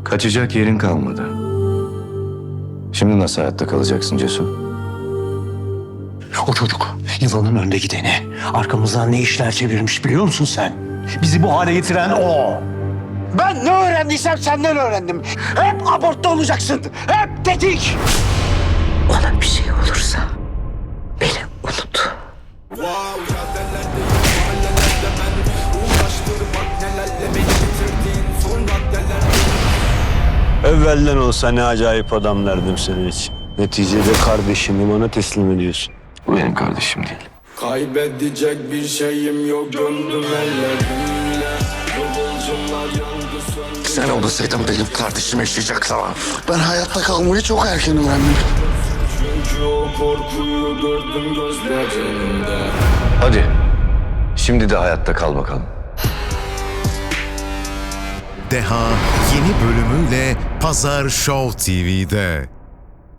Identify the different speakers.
Speaker 1: Kaçacak yerin kalmadı. Şimdi nasıl hayatta kalacaksın Cesur?
Speaker 2: O çocuk yılanın önde gideni. Arkamızdan ne işler çevirmiş biliyor musun sen? Bizi bu hale getiren o. Ben ne öğrendiysem senden öğrendim. Hep abortta olacaksın. Hep tetik.
Speaker 3: Ona bir şey olursa beni unut.
Speaker 4: Evvelden olsa ne acayip adam derdim senin için. Neticede kardeşimi bana teslim ediyorsun.
Speaker 1: Bu benim kardeşim değil.
Speaker 5: Kaybedecek bir şeyim yok, döndüm ellerimle. Kıvılcımlar yandı söndü.
Speaker 6: Sen olmasaydın benim kardeşim yaşayacaktı ama ben hayatta kalmayı çok erken öğrendim.
Speaker 5: Çünkü o korkuyu gördüm gözlerinde.
Speaker 1: Hadi. Şimdi de hayatta kal bakalım.
Speaker 7: Deha yeni bölümüyle Pazar Show TV'de.